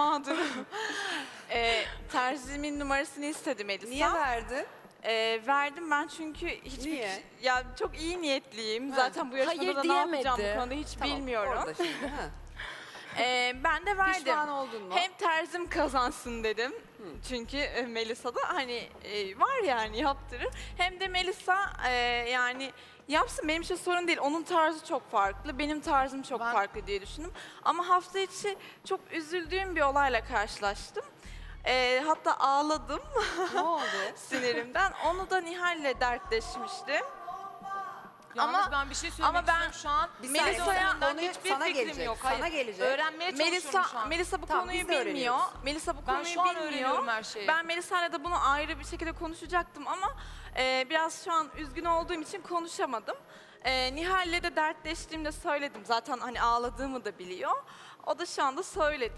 mağdurum. Terzimin numarasını istedi Melisa. Niye verdin? Verdim ben çünkü hiçbir... Niye? Ya çok iyi niyetliyim. Ha. Zaten bu yarışmada Hayır da ne yapacağım diyemedi. bu konuda hiç Tamam, bilmiyorum. orada şimdi, ha. Ben de verdim. Pişman oldun mu? Hem terzim kazansın dedim. Çünkü Melisa da hani var yani yaptırır. Hem de Melisa yani yapsın, benim için sorun değil. Onun tarzı çok farklı, benim tarzım çok farklı diye düşündüm. Ama hafta içi çok üzüldüğüm bir olayla karşılaştım. Hatta ağladım Ne oldu? sinirimden. Onu da Nihal'le dertleşmiştim. Yalnız ben bir şey söylemek ama ben istiyorum şu an. Bir saniye, Melisa'ya konuyu hiçbir sana fikrim gelecek. yok. Sana Hayır. gelecek. Öğrenmeye çalışıyorum şu an. Melisa bu Tamam, konuyu biz de bilmiyor. öğreniyoruz. Melisa bu Ben konuyu şu an bilmiyor. öğreniyorum her şeyi. Ben Melisa'yla da bunu ayrı bir şekilde konuşacaktım ama biraz şu an üzgün olduğum için konuşamadım. Nihal'le de dertleştiğimde söyledim. Zaten hani ağladığımı da biliyor. O da şu anda söyledi.